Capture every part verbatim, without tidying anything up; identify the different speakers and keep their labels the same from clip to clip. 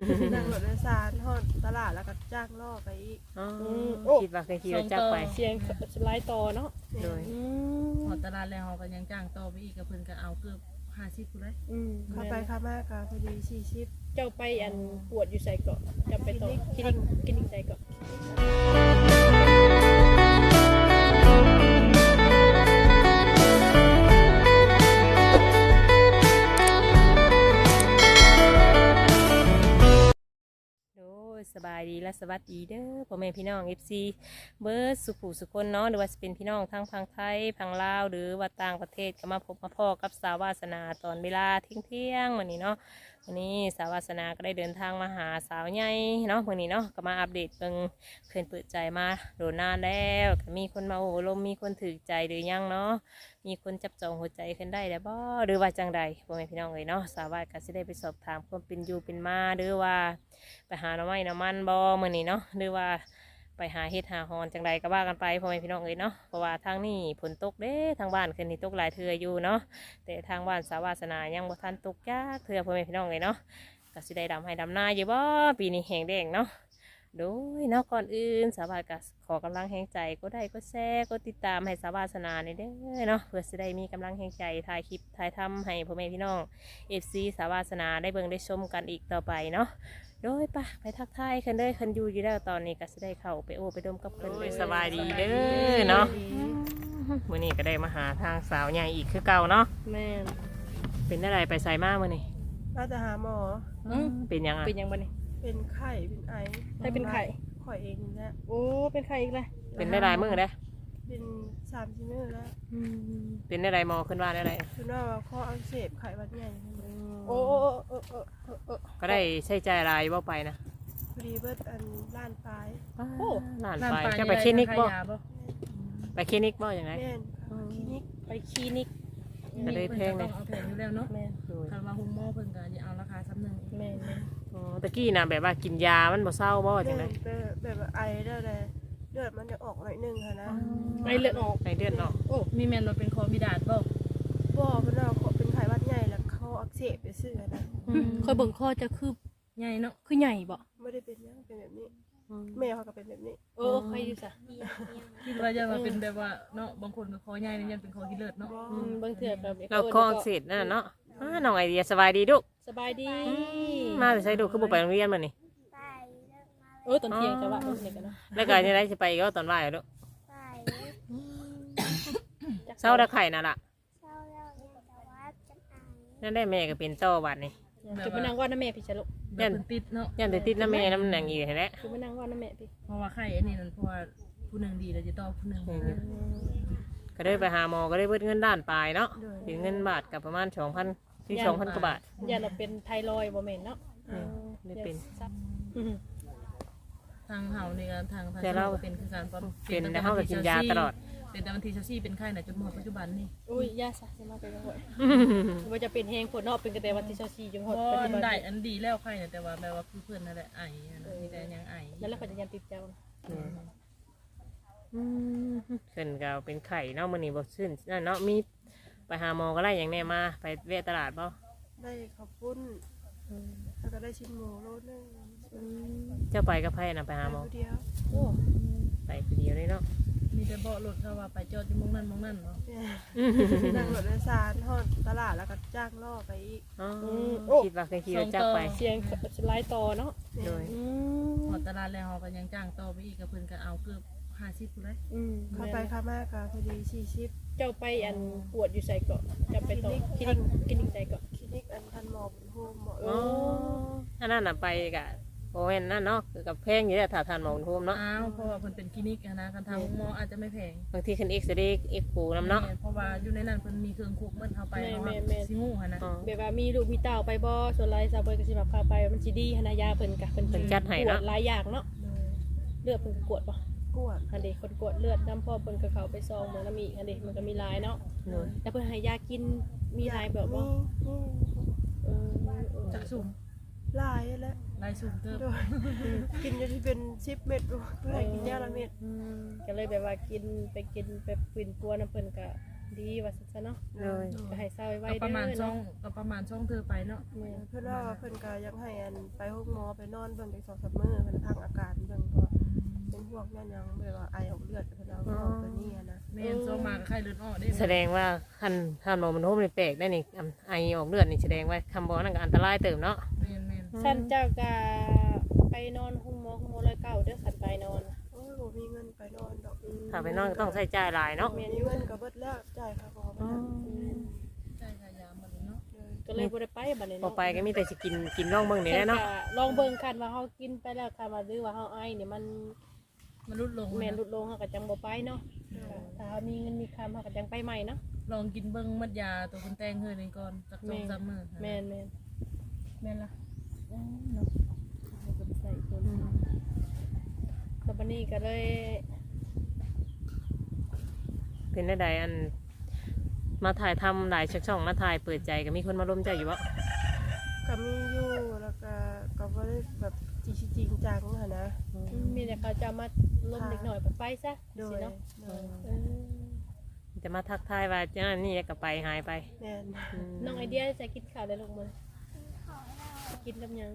Speaker 1: นั่งรถโดยสารฮอดตลาดแล้วก็จ้างล่อไปอีก
Speaker 2: อ๋อคิดว่าเคยขี่รถจักรไป
Speaker 3: เสียงสไลด์ต่อเนาะ
Speaker 2: โดย
Speaker 4: หอตลาดแล้วเขาก็ยังจ้างต่อไปอีกกับเพิ่นก็เอาเกือบห้าสิบพุ่นเลย
Speaker 3: อืม
Speaker 1: เข้าไปเข้ามากก็พอดีสี่สิบ
Speaker 3: เจ้าไปอันปวดอยู่ใส่เกาะจะไปต่อคลินิกคลินิกใส่เกาะ
Speaker 2: สบายดีและสวัสดีเด้อพ่อแม่พี่น้อง เอฟ ซี เบิร์ดสุขุสุคนเนาะหรือว่าจะเป็นพี่น้องทั้งพังไทยพังลาวหรือว่าต่างประเทศก็มาพบมาพ่อกับสาววาสนาตอนเวลาเที่ยงเที่ยงวันนี้เนาะวันนี้สาววาสนาก็ได้เดินทางมาหาสาวใหญ่เนาะวันนี้เนาะก็มาอัปเดตเบิ่งเพื่อนเปิดใจมาโดนนานแล้วก็มีคนมาโอ้ลมมีคนถือใจหรือยังเนาะมีคนจับจองหัวใจขึ้นได้แล้วบ่หรือว่าจังใดพ่อแม่พี่น้องเลยเนาะสาววาสก็จะได้ไปสอบถามความเป็นอยู่เป็นมาหรือว่าไปหาหน่อไม้หน่อมันบ่มื้อนี้เนาะหรือว่าไปหาเฮ็ดหาฮอนจังใดก็ว่ากันไปพ่อแม่พี่น้องเอ้ยเนาะเพราะว่าทางนี้ฝนตกเด้ทางบ้านคืนนี้ตกหลายเทื่ออยู่เนาะแต่ทางบ้านสาวาสนายังบ่ทันตกจักเทื่อพ่อแม่พี่น้องเอ้ยเนาะก็สิได้ดำให้ดำนาอยู่บ่ปีนี้แห้งแดงเนาะโดยเนาะก่อนอื่นสาวาก็ขอกำลังแห่งใจก็ได้ก็แชร์ก็ติดตามให้สาวาสนาในเด้อเนาะเพื่อสิได้มีกำลังแห่งใจถ่ายคลิปถ่ายทำให้พ่อแม่พี่น้อง เอฟ ซี สาวาสนาได้เบิ่งได้ชมกันอีกต่อไปเนาะโดยปะไปทักทายคันเด้อคันอยู่อยู่แล้วตอนนี้ก็จะได้เข้าไปโอ้ไปดมกับเพิ่นเลยสบายดีเด้อเนาะมื้อนี้ก็ได้มาหาทางสาวใหญ่อีกคือเก่าเนาะ
Speaker 3: แม่น
Speaker 2: เป็นอะไรไปใส่มามื้อนี้
Speaker 1: น่าจะหาหมอ
Speaker 2: เป็นยังอ่ะ
Speaker 3: เป็นยังบ่นี่
Speaker 1: เป็นไข้เป็นไอ
Speaker 3: ใครเป็นไข่
Speaker 1: ข่อยเองนี่แหละ
Speaker 3: โอ้เป็นไข่อีกเลย
Speaker 2: เป็นได้หลายมื้อเด้อ
Speaker 1: เป็นสามชิ้นอแล้ว
Speaker 2: เป็นได้หลายหมอขึ้นว่าได้หลาย
Speaker 1: คือว่าว่าข้ออักเสบไข้หวัดใหญ่
Speaker 3: โอ้โอ้โอ้โอ้โอ้โอ้
Speaker 2: ก็ได้ใช้จ่ายหลายบ่ไปนะ
Speaker 1: พอดีเบิดอันล้านปลาย
Speaker 2: โอ้หลานไปจะไปคลินิกบ่ไปคลินิกบ่อย่างไร
Speaker 1: แม่นคลินิก
Speaker 3: ไปคลินิก
Speaker 2: ก็ได้แพง
Speaker 4: เล
Speaker 2: เลย ย
Speaker 4: เอาแพงอยู่แล้วเนาะ
Speaker 3: แม่น
Speaker 4: คันว่าหุ้มหม้อเพิ่นก็อย่าเอาราคาซ้ำหนึ่ง
Speaker 3: แม่นแม่น
Speaker 2: อ๋อตะกี้น่ะแบบว่ากินยามันบ่เศร้าบ่จังได๋
Speaker 1: แบบแบบว่าไอได้เลยเลือดมันจะออกหน่อยนึงค่ะนะ
Speaker 3: ไปเลือดออก
Speaker 2: ในเดือนเนาะ
Speaker 4: โอ้มีแม่นว่าเป็นโควิดาดบ่
Speaker 1: บ่เพิ่นว่าเขาเป็นไข้หวัดใหญ่แล้วเขาอักเสบไปซื่อนะ
Speaker 3: คอยเบิ่งข้อจะคือ
Speaker 4: ใหญ่เนาะ
Speaker 3: คือใหญ่บ่
Speaker 1: ไม่ได้เป็นยังเป็นแบบนี้แม่เขาก็เป็นแบบนี้
Speaker 3: เออใครอยู่ซะ
Speaker 4: คิดว่าจะมาเป็นแบบว่าเนาะบางคนก็คอใหญ่นี่ยันเป็นคอกิเลิศเนาะ
Speaker 3: อืมบางเทื่อแบบ
Speaker 2: เราคออักเสบนั่นน่ะเนาะอ้าน้องไอเดียสบายดีลูก
Speaker 3: สบายดี
Speaker 2: มาแต่ใช้ดูคือบ่ไปโรงเรียนมื้อนี้
Speaker 3: เออตอนเที่ยงจะว่าตอนนี้กันเนาะ
Speaker 2: แล้วก็จะได้สิไปอีก็ตอนบ่ายลูกเช้าตะไข่น่ะล่ะนั่นได้แม่ก็เป็นโตบัดนี่
Speaker 3: จะมานั่งว่าน้าแม่พี่ชะลุ
Speaker 4: แบบเพิ่นติดเนาะ
Speaker 2: ยันแต่ติดน้ำแม่น้ำหนังอีกแหละ
Speaker 3: จะมานั่งว่าน้าแม่พี่
Speaker 4: เพราะว่าไข้อันนี้นั่นเพราะว่าผู้หนึงดีแล้วจะต่อผู้หนึง
Speaker 2: ก็ได้ไปหาหมอก็ได้เบิดเงินด้านปลายเนาะถึงเงินบาทกับประมาณสองพันที่สองพันกว่าบาท
Speaker 3: อย่าเราเป็นไทรอยด์บ่แม่นเนาะ
Speaker 2: ได้เป็น
Speaker 4: ทางเฮานี่ก็ทางทาง
Speaker 2: แต่เรา
Speaker 4: เป็นคือการปั๊ม
Speaker 2: เป็นแล้วเขาก็กินยาตลอด
Speaker 4: เป็นแต่วันที่สี่เป็นไข้น่ะจนหมดปัจจุบันนี่
Speaker 3: อุ้ยยาซะจะมาเป็นบ่อยว่าจะเป็นแฮงผลเนาะเป็นกระแต่วันที่24จนหมด
Speaker 4: ก็
Speaker 3: ปัจจุบัน
Speaker 4: ได้อันดีแล้วไข้น่ะแต่ว่าแบบว่าคือเพิ่นนั่นแหละไอนะมีแต่ยังไอ
Speaker 3: แล้วเราก็จะยังติดเจ้า
Speaker 2: ขึ้นก็เป็นไข่เนาะมื้อนี้บ่ซื่นนั่นเนาะมีไปหาหมอก็ได้อย่างแน่มาไปแวะตลาดบ่
Speaker 1: ได้ข้าวปุ้นแล้วก็ได้ชิ้นหมูโลนึง
Speaker 2: เจ้าไปกับไผน่ะไปหาหมอ
Speaker 1: เดียว
Speaker 3: โอ้
Speaker 2: ไปคนเดียวเลยเนาะ
Speaker 4: มีแต่เบาะรถเขาว่าไปจอดที่มงนั่นมงนั่นเนาะ
Speaker 1: นั่งรถโดยสารฮอดตลาดแล้วก็จ้างล่อไปอีก
Speaker 2: อ๋อคิดว่าเคยขี่รถจักรไป
Speaker 3: เสียงสไลด์ต่อเนาะ
Speaker 2: โดย
Speaker 3: อื
Speaker 4: ห
Speaker 3: ม
Speaker 4: อตลาดแล้วเขาก็ยังจ้างต่อไปอีกกับเพิ่นก็เอาเกือบห้าสิบพุ่นเลย
Speaker 3: อืม
Speaker 1: เข้าไปเข้ามากก็พอดีสี่สิบ
Speaker 3: เจ้าไปอันปวดอยู่ใส่เกาะจะไปต่อคลินิกคลินิกใส่เกาะ
Speaker 1: คลินิกอันทันหมอบุญโฮมหมอ
Speaker 2: อ๋ออันนั้นน่ะไปกะโอ้ยนั่นเนาะคือกับแพงอยู่แล้วถ้าทานหมอโฮมเนาะ
Speaker 4: อ้าวเพราะว่าเพิ่นเป็นคลินิกอะนะการทำหมออาจจะไม่แพง
Speaker 2: บางทีขึ้นเอ็กซ์เรย์เอ็กซ์โฟน้ำเนาะ
Speaker 4: เพราะว่าอยู่ในนั้นเพิ่นมีเครื่องคุกเบิ่นเข้าไปเนาะสิงูหั่นนะ
Speaker 2: อ๋อ
Speaker 3: แบบว่ามีลูกมีเต้าไปบ่ส่วนไรซาเบยก็สิแบบพาไปมันสิดีหนายาเพิ่นกะเพิ่น
Speaker 2: เพิ่นจัดให้
Speaker 3: กว
Speaker 2: เนาะ
Speaker 3: ดหลายอย่างเนาะเลือดเพิ่นก็กวดบ่
Speaker 1: กวด
Speaker 3: อันเด็กคนกวดเลือดน้ำพ่อเพิ่นก็เข้าไปซองเหมือนน้ำอีกอันเด็กมันก็มีหลายเนาะ
Speaker 2: โดย
Speaker 3: แล้วเพิ่นให้ยากินมีหลายแบบบ่
Speaker 1: นี่นี่
Speaker 3: เออเออ
Speaker 4: จักสุ่ม
Speaker 1: ลายแล้ว
Speaker 4: ลายสุ่มเติบ
Speaker 1: โดยกินจนที่เป็นสิบเม็ดเพื่อให้กินยาละเม็ด
Speaker 3: ก็เลยแบบว่ากินไปกินไปปิ่นปัวน้ำเพิ่นก็ดีว่าซั่นซะเนาะ
Speaker 2: เลย
Speaker 3: ก็ให้เศร้าไว้
Speaker 4: ก็
Speaker 3: เด้อ
Speaker 4: ประมาณช่อง
Speaker 3: เนาะ
Speaker 4: ก็ประมาณช่องเธอไปเนาะ
Speaker 3: แม่น
Speaker 1: เพิ่นว่าเพิ่นก็ยังให้อันไปห้องหมอไปนอนเบิ่งจักสองสามมื้อเพิ่นพักอาการเบิ่งเพราะเป็นพวกนั่นยังแบบว่าไอออกเลือดเพิ่นเอาเข้าตัวนี้อะนะ
Speaker 4: แม่นช่องมาก็ไข้เลือดออกได้
Speaker 2: แสดงว่าคันถ้าหมอมันโฮมนี่แปลกได้นี่อันไอออกเลือดนี่แสดงว่าคำบอกนั่นก็อันตรายเติมเนาะ
Speaker 4: แม่นแม่น
Speaker 3: สั้นเจ้าก็ไปนอนห้องหมอห้องหมอร้อยเก้าเด้อขันไปนอน
Speaker 1: โอ้ยบ่มีเงินไปนอนดอก
Speaker 2: ถ้าไปนอนก็ต้องใช้จ่ายหลายเนาะ
Speaker 1: มีเงินก็เบิดแล้วจ่ายค่าหมอบ่ทัน
Speaker 4: ใช่ค่ะยามันเนาะ
Speaker 1: เลย
Speaker 3: ก็เลยบ่ได้ไปบัดนี้
Speaker 2: พอ
Speaker 3: เนาะ
Speaker 2: ไปก็มีแต่สิกินกินร่องเบิ่งนี่แหละเนาะ
Speaker 3: ลองเบิ่งคันว่าเฮากินไปแล้วคันว่าหรือว่าเฮาไอเนี่ยมัน
Speaker 4: มันลดลง
Speaker 3: แม่นลดลงเฮาก็จังบ่ไปเนาะถ้าเฮามีเงินมีคำเฮาก็จังไปใหม่เนาะ
Speaker 4: ลองกินเบิ่งมัดยาตัวคุณแตงเฮือนี่ก่อนสักสองสามมื้อ
Speaker 3: แม่นแม่น
Speaker 4: แม่นล่ะ
Speaker 3: อืมเนาะเฮาก็ไปใส่คนแล้วบัดนี้ก็เลย
Speaker 2: เป็นได้ใดอันมาถ่ายทำหลายช่องมาถ่ายเปิดใจก็มีคนมาร่วมใจอยู่บ่
Speaker 1: ก็มีอยู่แล้วก็ก็บ่ได้แบบจริงจริงจังหั่นนะ
Speaker 3: อืมมีแต่เขาจะมาล้มเด็กหน่อยไปไปซะ
Speaker 1: โด
Speaker 3: สิ
Speaker 1: ย
Speaker 3: เนาะ
Speaker 1: โดย
Speaker 3: เออ
Speaker 2: จะมาทักทายว่าเจ้านี่ก็ไปหายไป
Speaker 1: แม่น
Speaker 2: อืม
Speaker 3: น้องไอเดียจะกินข้าวได้ลงมื้อกินกับหยัง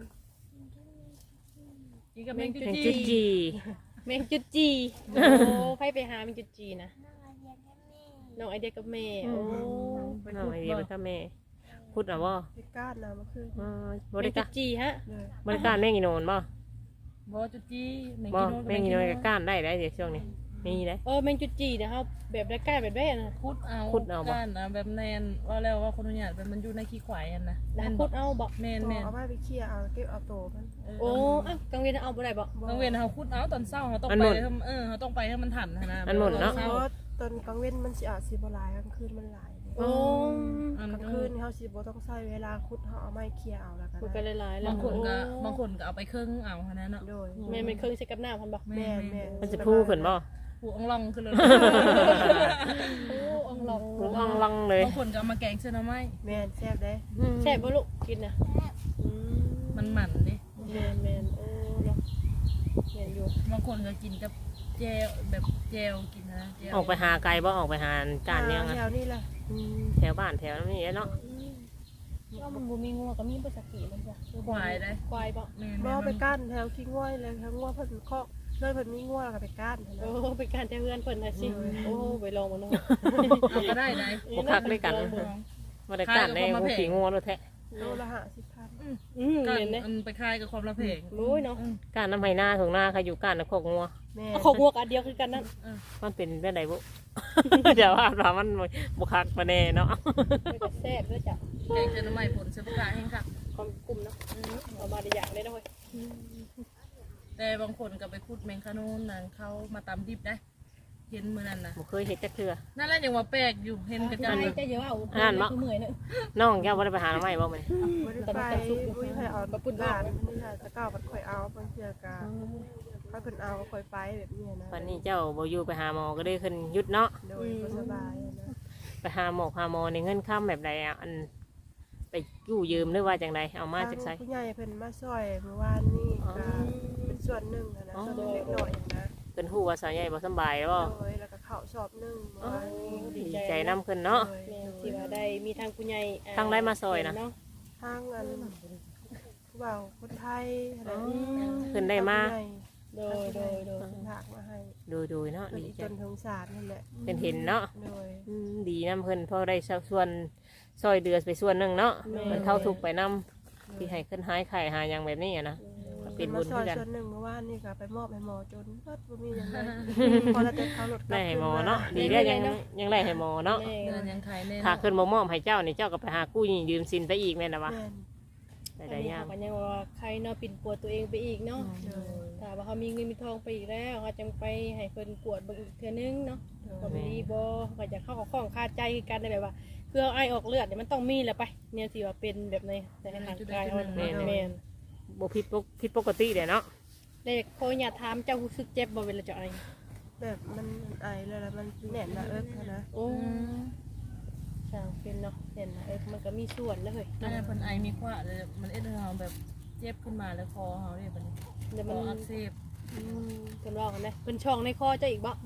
Speaker 4: กินกับแมงจุ
Speaker 2: เป็น
Speaker 4: จี
Speaker 2: จุดจี
Speaker 3: แมงจุดจี โอ้ไผไปหาแมงจุดจีนะน้องไอเดียกับแม่โอ้
Speaker 2: น้องไอเดียเป็นข้าแม่พูดอ่ะบ่
Speaker 1: ไปก้านนะมันคือ
Speaker 2: อ่าบ
Speaker 3: แม
Speaker 2: ริ
Speaker 3: ง
Speaker 2: กา
Speaker 3: จุ
Speaker 2: ร
Speaker 3: ดจีฮะ
Speaker 1: เลย
Speaker 2: บริการแม่งอีโนนบ่
Speaker 4: บ่จุจีแมง
Speaker 2: บ่
Speaker 4: กินโน
Speaker 2: แม่งอีโนนก็ก้านได้ได้เดี๋ยวช่วงนี้มีได้
Speaker 3: เออแมงจุดจีนะครับแบบได้ใกล้แบบได้นะ
Speaker 4: คุดเอา
Speaker 2: คุดเอาบ่
Speaker 4: ก้านนะแบบแนนว่าแล้วว่าคนอนุญาตแบบมันอยู่ในขี้ควายอันนะ
Speaker 3: แล้ว
Speaker 4: แม่น
Speaker 3: พุ
Speaker 4: บ่
Speaker 3: ดเอาบอก
Speaker 4: แม่นแม่น
Speaker 1: เอาไม้ไปเคลียร์เอาเก็บเอาโตมัน
Speaker 3: โอ้อ่ะกังเวียนเอาบ่ได้บอก
Speaker 4: บางเวนเขาคุดเอาตอนเศร้าเขาต้อง
Speaker 2: มัน
Speaker 4: ไป
Speaker 2: หมด
Speaker 4: ให้มันเออเขาต้องไปให้มันทันนะ
Speaker 2: มันหมดเนาะ
Speaker 4: ศร้
Speaker 1: เพราะตอนกลางเว้นมันสิอาจสิบ่หลายกลางคืนมันหลายเลย
Speaker 3: โอ้
Speaker 4: อัน
Speaker 1: กลางคืนเฮาสิบ่ต้องใช้เวลาขุดเฮาเอาไม้เคลียร์เอาแล้วกัน
Speaker 3: พูดไปหลายๆแล้ว
Speaker 4: บางคนก็
Speaker 3: โอ้
Speaker 4: บางคนก็เอาไปเครื่องเอาขนาดนั้นเนาะ
Speaker 1: โดย
Speaker 3: แม่เป็นเครื่องใช้กับหน้าพันบอก
Speaker 1: แม่แม่
Speaker 2: มันจะพูขึ้นบ่
Speaker 4: ผูอ่องลองขึ้นเลย
Speaker 3: โอ้อองลอง
Speaker 2: พูอ่องลังเลย
Speaker 4: บางคนก็เอามาแกงเส้นน้ำไม้
Speaker 1: แม่นแซ่บเด้
Speaker 3: แซ่บบ่ลูกกินนะอืม
Speaker 4: มันหมันดิ
Speaker 3: แม่นแม่นโอ้เนาะแม่นอยู่
Speaker 4: บางคนก็กินกับแจวแบบแจวกินนะแจว
Speaker 2: ออกไปหาไกลบ่ออกไปหาการยัง
Speaker 1: แถ
Speaker 2: อะ
Speaker 1: วนี้แหละ
Speaker 2: แถวบ้านแถวนี้เนาะ
Speaker 3: ก็มันบ่มีงัวก็มีบ่สักกี่มันจ้ะ
Speaker 4: ควายได้
Speaker 3: ควายบ่
Speaker 4: แม่
Speaker 1: บ่
Speaker 4: แม่
Speaker 1: ไปก้านแถวขี้ง่วยเลยแถวง่วเพิ่นเคาะเลยเพิ่นมีง่วแล้วก็ไปก้าน
Speaker 3: โอ้เป็นการแต่เฮือนเพิ่นน่ะสิโอ้ไปลองมันเนาะ
Speaker 4: เอาก็ได้ได้
Speaker 2: บ่คักด้วยกันบ่ได้การในหูผีงูรถแท้
Speaker 1: โลละห้าสิบพัน
Speaker 3: อืม
Speaker 4: ก็
Speaker 3: เห็นเด้
Speaker 4: อันไปคายกับความละเพง
Speaker 3: รู้เนาะ
Speaker 2: การน้ำไหหน้าถุงหน้าใครอยู่การน้ำโคกงัว
Speaker 1: แม่
Speaker 3: เขาวัวกันเดียวคือกันนั่น
Speaker 2: มันเป็นแบบไหนบุ เดี๋ยวว่าว่ามันบุคักมาแน่เนาะ
Speaker 3: มันก็แซ่บด้วยจ้ะ
Speaker 4: แกงเส้นน้ำไม้ผลเสื้อผ้าแห้งค่ะ
Speaker 3: ความกลุ่มเนาะเอามาได้อย่างเลยนะเว้ย
Speaker 4: แต่บางคนก็ไปคุดแมงคานูนนั่นเขามาตำดิบได้ เห็นมือนั่นนะ
Speaker 2: บุเคยเห็ดจักเทื่อ
Speaker 4: นั่นแหละยังว่าแปลกอยู่เห็นกระจั
Speaker 3: ใช่
Speaker 4: น
Speaker 3: จะเยอะเอา
Speaker 2: อ่านเนาะ
Speaker 3: คือเหมื่อยเนอะ
Speaker 2: น้องแก้วบ่ได้ไปหาหน่อไม้บ่แม่
Speaker 1: บ่ได้ไปอุ้ยให้เอาปุ่นบ้านนี่ค่ะตะก้าวมันค่อยเอาบางเทื่อกะถ้าเพิ่นเอาก็ค่อยไปแบบนี้นะ
Speaker 2: วันนี้เจ้าบ่อยู่ไปหาหมอก็ได้ขึ้นหยุดเนาะ
Speaker 1: โดยบ่สบายนะ
Speaker 2: ไปหาหมอหาหมอในเงินค่ำแบบใดอ่ะอันไปกู้ยืมหรือว่าจังใดเอามาจากไส
Speaker 1: ผู้ใหญ่เพิ่นมาช่วยเมื่อวานนี้ก็เป็นส่วนหนึ่งนะส่วนเล็กน้อยนะ
Speaker 2: เพิ่นฮู้ว่าสาวใหญ่บ่สำบายแล้วบ่
Speaker 1: โดยแล้วก็ข้าวชอบหนึงเมื่อวานนี้
Speaker 2: ดีใจนํเพิ่นเนาะ
Speaker 1: โดย
Speaker 3: แม่ที่ว่าได้มีทางผู้ใหญ่อ่
Speaker 2: ทางได้มาซอยนะ
Speaker 3: เา
Speaker 1: ทางอันผู้บ่าวคนไทยอะไร
Speaker 2: เพิ่นได้มา
Speaker 3: โดยโดยโดย
Speaker 1: ฝากมาให้
Speaker 2: ดูดูเนาะ
Speaker 1: เพิ่น
Speaker 2: ดี
Speaker 1: อี
Speaker 2: ใจ
Speaker 1: จนทงสารนั่นแหละ
Speaker 2: เพิ่นเห็นเนาะ
Speaker 1: โดย
Speaker 2: อืมดีนํเพิ่นพอได้ส่วนซอยเดือไปส่วนหนึงเนาะเพิ่นเข้าทุกข์ไปนํที่ให้ขึ้นหายไข้หาหยังแบบนี้อะนะก็เป็
Speaker 1: เพิ่
Speaker 2: น
Speaker 1: น
Speaker 2: บุ
Speaker 1: มา
Speaker 2: ญ
Speaker 1: ซอ
Speaker 2: คื
Speaker 1: ย
Speaker 2: อกัน
Speaker 1: ส่วนหนึ่งเมื่อวานนี่ก็ไปมอบให้หมอจนเบิดบ่มีหยังเลยพอแล้วแต่เขาลดกลั
Speaker 2: ได้
Speaker 1: บ
Speaker 2: ให้
Speaker 1: คืน
Speaker 2: หมอ
Speaker 1: มา
Speaker 2: เนาะดีได้ยังยังได้ให้หมอเนาะ
Speaker 3: แม่
Speaker 4: เดือนยังขายแน่
Speaker 2: ถ้าขึ้นบ่มอบให้เจ้านี่เจ้าก็ไปหากู้ยืมสินไปอีกแม่นล่ะวะ
Speaker 1: แม่น
Speaker 2: ได้
Speaker 3: อัน
Speaker 2: ได้
Speaker 3: นี้
Speaker 2: ยา
Speaker 3: เขา
Speaker 2: ก
Speaker 3: ก็ยังว่าใครเนาะปิ่นปวดตัวเองไปอีกเนาะ
Speaker 1: โดย
Speaker 3: ถ้าว่าเขามีเงินมีทองไปอีกแล้วเขาจังไปให้เพิ่นกวดเบิ่งอีกเทื่อนึงเนาะก็บ่ดีบ่ก็จะเข้ากับข้องคาใจคือกันได้แบบว่าคือเอาไอออกเลือดเนี่ยมันต้องมีแหละไปเนี่ยสิว่าเป็นแบบในในร่างกายเขาแม่นแม่น
Speaker 2: บ่ผิดปกผิดปกติเด้เนาะ
Speaker 3: เด็กโคอยากถามเจ้ารู้สึกเจ็บบ่เวลาเจะไอ
Speaker 1: แบบมันไอแล้วแล้วมันแน่นหน้าเอิกนะ
Speaker 3: โอ้ช่างเป็นเนาะเห็นนะเออมันก็มีส่วนเลยเฮ้ย
Speaker 4: นั่นแหละเพิ่นไอมีขวาเลยมันเอ็ดให้เราแบบเจ็บขึ้นมาแล้วคอเขาเนี่ยมัน
Speaker 3: เดี๋ยว
Speaker 4: ค
Speaker 3: มัน
Speaker 4: ออักเสบ
Speaker 3: เพิ่นว่ากันนะเพิ่นช่องในคอเจ้าอีกบ่
Speaker 1: แม่น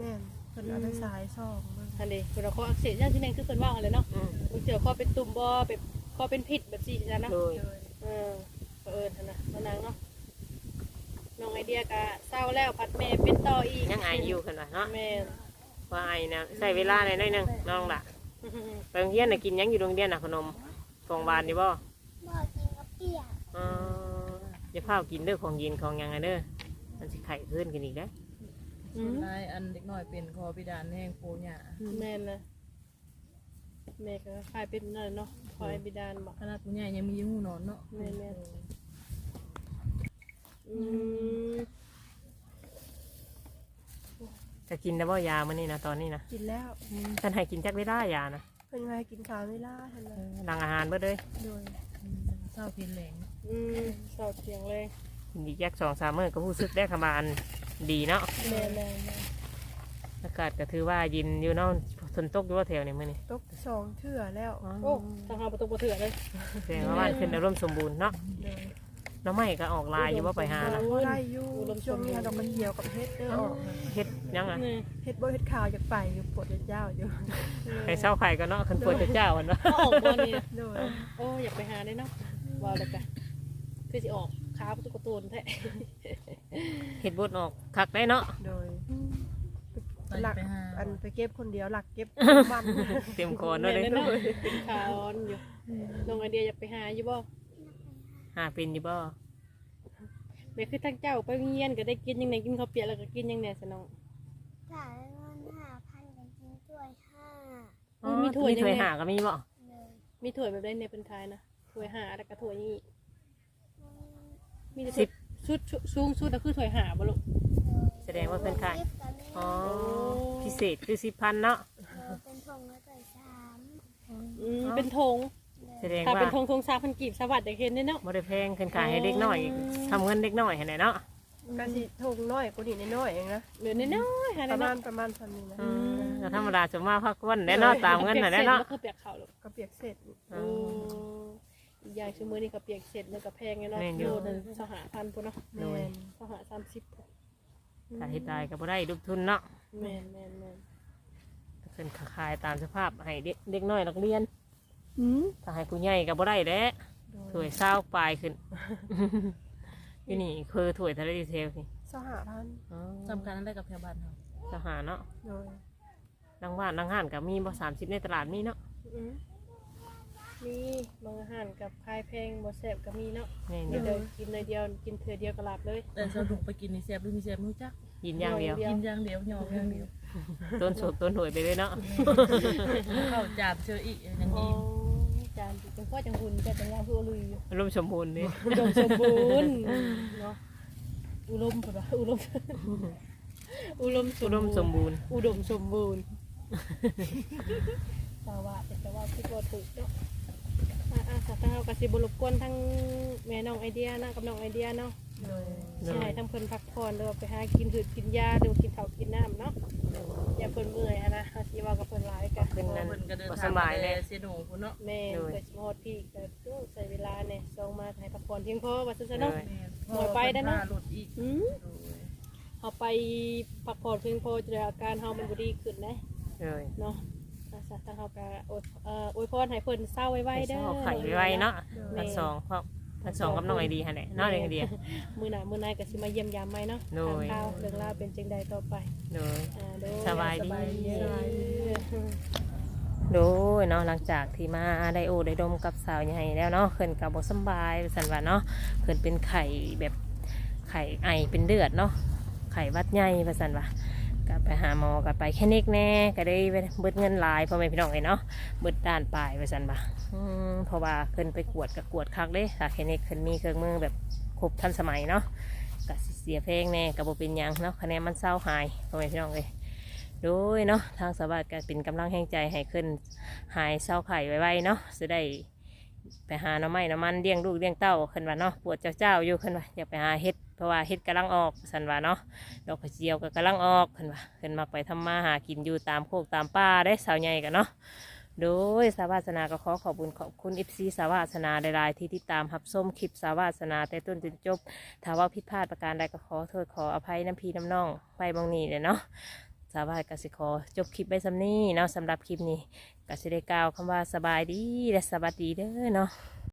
Speaker 1: เพิ่นเอาไปสายซ่องเบิ่ง
Speaker 3: อันนี้เพิ่นเอาข้ออักเสบอย่างที่นั่นคือเพิ่นว่าอะไรเนาะ
Speaker 2: อืม
Speaker 3: บางเทื่อข้อเป็นตุ่มบ่แบบข้อเป็นพิษแบบซี่จ้ะเนาะ
Speaker 2: โดย
Speaker 1: โดย
Speaker 3: เออเผอิญหั่นน่ะมานางเนาะน้องไอเดียก็เศร้าแล้วพัดแม่เป็นต่ออีก
Speaker 2: ยังไออยู่ขึ้นว่าเนาะ
Speaker 3: แม่น
Speaker 2: ว่าไอนะใส่เวลาหน่อยหน่อยหนึงน้องล่ะไปโรงเรียนน่ะกินหยังอยู่โรงเรียนน่ะขนมของหวานนี่บ่
Speaker 5: บอกกินกับเปียก
Speaker 2: อ๋ออย่าพากินเด้อของเย็นของหยังไงเด้อมันสิไข้ขึ้นกันอีกเด้อ
Speaker 3: อืม
Speaker 4: นายอันเด็กน้อยเป็นคอพิดานแห้งโพหญ้า
Speaker 3: แม่นนะแม่ก็คล้ายเป็นนั่นเนาะคอยบิดาลบอก
Speaker 4: ขนาดผู้ใหญ่ยังมีหูนอนเนาะ
Speaker 3: แม่แม่อืม
Speaker 2: จะกินได้บ่ยามื้อนี้นะตอนนี้นะ
Speaker 1: กินแล้ว
Speaker 2: ท่านให้กินจักเวลายานะ
Speaker 1: เพิ่นว่าให้กินข้าวเวลาท่าน
Speaker 2: เอ
Speaker 1: ว่า
Speaker 2: อหลังอาหารเบิดเลย
Speaker 1: โดย
Speaker 4: เศร้าเพียนแหลง
Speaker 3: อืมเศร้าเสียงเลย
Speaker 2: กินอีกแยกสองสามมื้อก็รู้สึกได้ขมาอันดีเนาะ
Speaker 3: แม่แม่แม่
Speaker 2: อากาศก็ถือว่าเยินอยู่เนาะฝนตกอยู่ว่าแถวนี้มื้อนี้
Speaker 1: ตกสองเทื่อแล้ว
Speaker 2: อ๋อ
Speaker 3: โอ้ทางหาประตูประเถื่อเลย
Speaker 2: แสดงว่าบ้านขึ้นอารมณ์สมบูรณ์เนาะ
Speaker 1: โดย
Speaker 2: น้องใหม่ก็ออกลายอยู่ว่าไปหานะ
Speaker 1: บ่ได้อยู่ช่วงนี้ดอกกระเจียวกับเฮ็ดเด้อออก
Speaker 2: เฮ็ดยังอ่ะ
Speaker 3: นี่
Speaker 1: เฮ็ดบ่เฮ็ดข้าวอยากไปอยู่ปวดยาวๆอยู่
Speaker 2: ให้เศร้าไข่ก็เนาะคันปวดจะเจ้าอันเนาะ
Speaker 3: ก็ออกบอลนี่นะ
Speaker 1: โดย
Speaker 3: โอ้อยากไปหาได้เนาะว้าวเลยกันคือจะออกขาประตูประตูนแท้
Speaker 2: เฮ็ดบดออกคักได้เนาะ
Speaker 1: โดย
Speaker 4: ไป
Speaker 1: หลัก
Speaker 4: ไปหา
Speaker 1: อันไปเก็บคนเดียวหลักเก็บมัน
Speaker 2: เต็มคอเนาะ
Speaker 3: แม่
Speaker 2: เลย
Speaker 3: เนาะเป็นขาอ่อนอยู่น้องไอเดียอยากไปหาอยู่บ่
Speaker 2: หาเป็นอยู่บ่
Speaker 3: แม่คือทั้งเจ้าไปเงียนก็ได้กินยังไงกินข้าวเปียกแล้วก็กินยังไงสนอง
Speaker 5: จ่ายเงินห้าพันกันกินด้วยห้า
Speaker 3: อ๋อมีถ้วย
Speaker 2: มีถ้วย
Speaker 3: ยังไง
Speaker 2: หาก็มีบ่
Speaker 5: เลย
Speaker 3: มีถ้วยแบบได้ในเป็นทายนะถ้วยหาแล้วก็ถ้วยนี่
Speaker 5: อืม
Speaker 3: มีแต่ถ้วยชุดชุดสูงสุดก็คือถ้วยหาบ่ลูก
Speaker 2: แสดงว่าเพิ่นขาย
Speaker 5: ลิฟต์กับมี
Speaker 2: อ๋อพิเศษคือสิบพันเนาะ
Speaker 5: เออเป็นทงแล้วก็สาม
Speaker 3: อืมเป็นธง
Speaker 2: แสดง
Speaker 3: ถ้า
Speaker 2: ว่า
Speaker 3: เป็นธงธงซาพันกีบสวัสดิ์ได้เห็นได้เนาะ
Speaker 2: บ่ได้แพงขึ้นขายให้เด็กน้อยทำเงินเด็กน้อยให้ไหนเนาะ
Speaker 1: ก็สิทงน้อยกว่านี้น้อยๆเองนะ
Speaker 3: เหลือน้อยๆหา
Speaker 1: ป
Speaker 3: ได้
Speaker 1: ระมา
Speaker 3: เนาะ
Speaker 1: ณประมาณพันนี้นะ
Speaker 2: อืมก็ธรรมดาจะมาพักวันแน่เนาะตามเงินน่ะแน่เนาะ
Speaker 3: ก็คือเปียกเขาลูก
Speaker 1: ก็เปียกเสร็จ
Speaker 2: อืม
Speaker 3: อีกอย่างคือมือนี่ก็เปียกเสร็จแล้วก็แพงไงเนาะ
Speaker 2: แม่นอยู่
Speaker 3: โลนึงสหพันธุ์พุ่นเนาะ
Speaker 1: แม่น
Speaker 3: สหสามสิบ
Speaker 2: ถ้าเฮ็ดได้ก็บ่ได้ลูกทุนเนาะ
Speaker 3: แม่นแม่นแม่น
Speaker 2: เพิ่นขายตามสภาพให้เด็กเด็กน้อยนักเรียน
Speaker 1: อืม
Speaker 2: ถ้าให้ผู้ใหญ่ก็บ่ได้แหละถ้วยเศร้าปลายขึ้น อยู่นี่คือถ้วยทะเลดีเทลสิ
Speaker 1: สหพันธ์
Speaker 2: อ๋อ
Speaker 4: สำคัญอะไรกับแถวบ้านเขา
Speaker 2: ทหารเนาะ
Speaker 1: โดย
Speaker 2: ดังว่านดังห้านก็มีบ่สามสิบในตลาดมีเนาะ
Speaker 3: อืมมีบางอาหารกับคายแพงบ่แซ่บก็มีเนาะ
Speaker 2: นี่
Speaker 3: กิ
Speaker 2: นี่
Speaker 3: นเลยกินเลยเดียวกินเถื่อเดียวก็หลับเลย
Speaker 4: แต่สนุกไปกินนี่แซ่บหรือมีแซ่บไม่รู้จัก
Speaker 2: ยินอย่างเดียว
Speaker 3: เดียว
Speaker 4: กินอย่างเดียวหยอกอย่างเดียว
Speaker 2: ต้นโฉบต้นหวยไปเลยเนาะ
Speaker 4: เข้าจานเชออีกอย่าง
Speaker 3: อ๋อ
Speaker 4: นี้
Speaker 3: จานจังพ่อจังหุ่นจังยาคืออลุยอยู่
Speaker 2: อารมณ์สมบูรณ์นี่
Speaker 3: อุดมสมบูรณ์เนาะอุดมเปล่าอุดมอุดมส
Speaker 2: อุ
Speaker 3: ม
Speaker 2: ดมสม
Speaker 3: บูรณ์
Speaker 2: บูรณ์
Speaker 3: อุดมสมบูรณ์สาว่าเป็นแต่ว่าคิดว่าถูกเนาะอ่าอ่าสัตว์เฮากะสิบ่รบกวนทั้งแม่น้องไอเดียนะกับน้องไอเดียเนาะ
Speaker 1: โดย
Speaker 3: สิให้ทั้งเพิ่นพักผ่อนหรือว่าไปหากินหืดกินยาหรือว่ากินข้าวกินน้ำเนาะอย่าเพิ่นเมื่อยหั้นนะเฮาสิเว้ากับเพิ่นหลายกะ
Speaker 2: ขึ้นนั่น
Speaker 4: เพิ่นก็เดิน
Speaker 2: บ่
Speaker 4: ทา
Speaker 2: ส
Speaker 4: ง
Speaker 2: บายเลย
Speaker 4: เซโนพุ่นเนาะ
Speaker 3: แม่
Speaker 2: โดย
Speaker 3: เกิดสิมาฮอดพี่ก็ตู้ใช้เวลาเนี่ยส่งมาให้พักผ่อนเพียงพอว่าซั่นซะ
Speaker 2: โด
Speaker 3: เนาะ
Speaker 2: ย
Speaker 3: หน่อยไปได้เนาะ
Speaker 4: หลุดอีก
Speaker 3: อืมเอาไปพักผ่อนเพียงพอจะได้อาการเฮามันบ่ดีขึ้นนะ
Speaker 2: เลย
Speaker 3: เนาะอาสาทางเฮาก็อวยเอ่ออวยพรให้เพิ่นเศร้าไวๆเด้อ
Speaker 2: เอาไข่ไว้เนาะพันสองเพราะพันสองกับน้องไอดีฮะเนี่ยน้องไอเดีย
Speaker 3: มื้อหน้ามื้อหน้าก็สิมาเยี่ยมยามใหม่เนาะ
Speaker 2: โดย
Speaker 3: ถามข่าวเรื่องราวเป็นจังใดต่อไป
Speaker 2: โดย
Speaker 3: อ่าโดย
Speaker 2: สบายดี
Speaker 3: สบายดี
Speaker 2: โดยเนาะหลังจากที่มาได้โอได้ดมกับสาวใหญ่แล้วเนาะเพิ่นกับ่สำบายสันว่าเนาะเพิ่นเป็นไข่แบบไข่ไอเป็นเลือดเนาะไข่หวัดใหญ่ว่าสันว่าก็ไปหาหมอก็ไปแค่นิกแน่ก็ได้เบิดเงินหลายพ่อแม่พี่น้องเลยเนาะเบิดด้านปลายว่าสันว่าอืมเพราะว่าเพิ่นไปกวดกับกวดคักเด้ค่ะแค่นิกเพิ่นมีเครื่องมือแบบครบทันสมัยเนาะก็สิเสียเพลงแน่ก็บ่เป็นหยังเนาะคะแนนมันเศร้าหายพ่อแม่พี่น้องเลย โดยเนาะทางสวัสดิ์ก็เป็นกำลังแห่งใจให้ขึ้นหายเศร้าไข่ไว้ๆเนาะจะได้ไปหาหน้ำไม้น้ำมันเลี้ยงลูกเลี้ยงเต้าขึ้นว่าเนาะปวดเจ้าๆอยู่ขึ้นว่าอยากไปหาเห็ดเพราะว่าเห็ดกำลังออกสันว่าเนาะดอกกระเจียวก็กำลังออกขึ้นว่าขึ้นมาไปทำมาหากินอยู่ตามโคกตามป่าได้สาวใหญ่กันเนาะโดยสาวาสนาก็ขอขอบคุณขอบคุณอิฟซีสาวาสนาหลายๆที่ติดตามรับชมคลิปสาวาสนาแต่ต้นจนจบถ้าว่าผิดพลาดประการใดก็ขอโทษขออภัยน้ำพีน้ำน้องไปบางนี้เลยเนาะสาวายกสิขอจบคลิปไว้สำนี้เนาะสำหรับคลิปนี้กสิได้กล่าวคำว่าสบายดีและสวัสดีเด้อเนาะ